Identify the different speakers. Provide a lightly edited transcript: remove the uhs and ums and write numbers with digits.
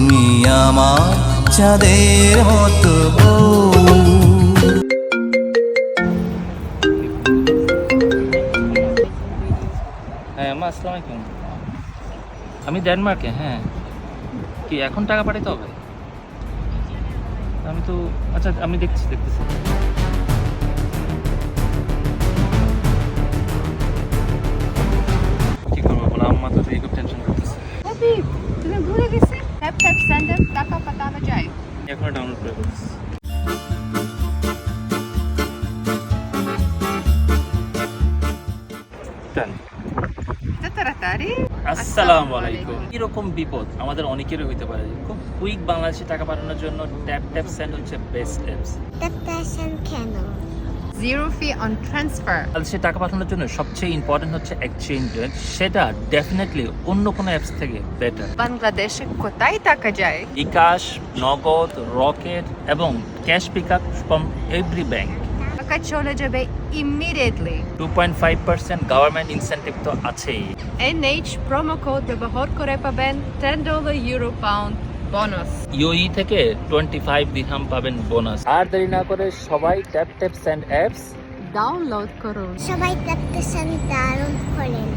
Speaker 1: তুমি আমার চাঁদের মতো বউ।
Speaker 2: হ্যাঁ আম্মা, আসসালামু আলাইকুম। আমি ডেনমার্কে। হ্যাঁ, কি এখন টাকা পাঠাতে হবে? আমি তো আচ্ছা, আমি দেখতেছি। কি করবো বলো, আম্মা তো খুব টেনশন করতেছে।
Speaker 3: হাবিব, তুমি ভুলে গেছে ট্যাপ ট্যাপ সেন্ডার টাকা পাঠানো যায়।
Speaker 2: এখনো ডাউনলোড করে ফেলতেছি।
Speaker 3: এত তাড়াতাড়ি?
Speaker 2: আসসালামু আলাইকুম। এরকম বিপদ আমাদের অনেকেরই হইতে পারে। খুব কুইক বাংলাদেশে টাকা পাঠানোর জন্য ট্যাপ ট্যাপ সেন্ড হচ্ছে বেস্ট অ্যাপস।
Speaker 4: কেন?
Speaker 3: Zero fee on transfer.
Speaker 2: বাংলাদেশে টাকা পাঠানোর জন্য সবচেয়ে ইম্পর্টেন্ট হচ্ছে এক্সচেঞ্জ রেট। সেটা ডেফিনেটলি অন্য কোনো অ্যাপস থেকে বেটার।
Speaker 3: বাংলাদেশে কোথায় টাকা যায়?
Speaker 2: বিকাশ, নগদ, রকেট এবং cash pick up from every bank.
Speaker 3: টাকা চলে যাবে ইমিডিয়েটলি।
Speaker 2: 2.5% গভর্নমেন্ট ইনসেন্টিভ তো আছেই।
Speaker 3: NH প্রোমো কোড ব্যবহার করে পাবেন $10 ইউরো পাউন্ড বোনাস।
Speaker 2: ইউই থেকে 25 দিরহাম পাবেন বোনাস। আর দেরি না করে সবাই tap tap send apps
Speaker 3: download করুন।
Speaker 4: সবাই ট্যাপটেশন দারুণ করেন।